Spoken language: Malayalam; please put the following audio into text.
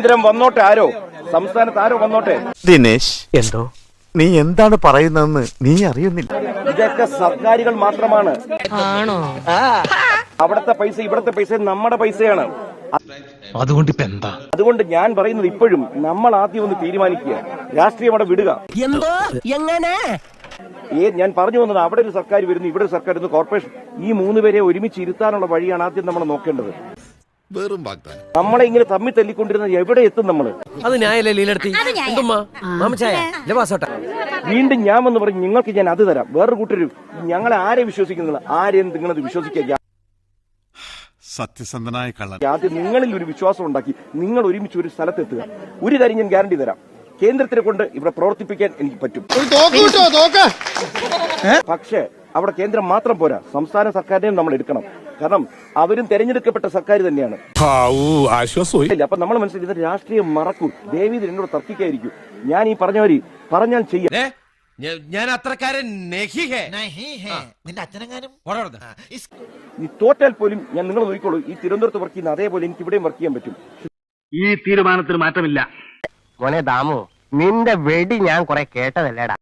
കേന്ദ്രം വന്നോട്ടെ, ആരോ സംസ്ഥാനത്ത് ആരോ വന്നോട്ടെ. ദിനേശ്, എന്തോ നീ എന്താണ് പറയുന്നതെന്ന് നീ അറിയുന്നില്ല. ഇതൊക്കെ സർക്കാരുകൾ മാത്രമാണ്. അവിടുത്തെ പൈസ ഇവിടുത്തെ പൈസ നമ്മുടെ പൈസയാണ്. അതുകൊണ്ട് ഞാൻ പറയുന്നത് ഇപ്പോഴും നമ്മൾ ആദ്യം ഒന്ന് തീരുമാനിക്കുക, രാഷ്ട്രീയം അവിടെ വിടുക. ഞാൻ പറഞ്ഞു വന്നത്, അവിടെ ഒരു സർക്കാർ വരുന്നു, ഇവിടെ ഒരു സർക്കാർ വരുന്നു, കോർപ്പറേഷൻ, ഈ മൂന്ന് പേരെ ഒരുമിച്ച് ഇരുത്താനുള്ള വഴിയാണ് ആദ്യം നമ്മൾ നോക്കേണ്ടത്. നമ്മളെ ഇങ്ങനെ തമ്മിൽ തല്ലിക്കൊണ്ടിരുന്ന എവിടെ എത്തും നമ്മള്? വീണ്ടും ഞാൻ വന്ന് പറഞ്ഞു, നിങ്ങൾക്ക് ഞാൻ അത് തരാം, വേറൊരു കൂട്ടരും ഞങ്ങളെ ആരെ വിശ്വസിക്കുന്നില്ല, ആരെയും നിങ്ങളത് വിശ്വസിക്കുക. സത്യസന്ധനായ കള്ളൻ. ആദ്യം നിങ്ങളിൽ ഒരു വിശ്വാസം ഉണ്ടാക്കി നിങ്ങൾ ഒരുമിച്ച് ഒരു സ്ഥലത്തെത്തുക. ഒരു കാര്യം ഞാൻ ഗ്യാരണ്ടി തരാം, കേന്ദ്രത്തിനെ കൊണ്ട് ഇവിടെ പ്രവർത്തിപ്പിക്കാൻ എനിക്ക് പറ്റും. പക്ഷേ അവിടെ കേന്ദ്രം മാത്രം പോരാ, സംസ്ഥാന സർക്കാരിനെയും നമ്മൾ എടുക്കണം. കാരണം അവരും തെരഞ്ഞെടുക്കപ്പെട്ട സർക്കാർ തന്നെയാണ്. അപ്പൊ നമ്മൾ മനസ്സിലാക്കി രാഷ്ട്രീയം മറക്കൂ. ദേവി എന്നോട് തർക്കിക്കായിരിക്കും. ഞാൻ ഈ പറഞ്ഞവര് പറഞ്ഞാൽ ചെയ്യാം. ഞാൻ അത്രക്കാരൻ ഈ തോറ്റാൽ പോലും ഞാൻ നിങ്ങൾ നോക്കിക്കോളൂ, ഈ തിരുവനന്തപുരത്ത് വർക്ക് ചെയ്യുന്ന അതേപോലെ എനിക്ക് ഇവിടെയും വർക്ക് ചെയ്യാൻ പറ്റും. ഈ തീരുമാനത്തിന് മാറ്റമില്ല. മോനെ ദാമു, നിന്റെ വെടി ഞാൻ കുറെ കേട്ടതല്ലേടാ.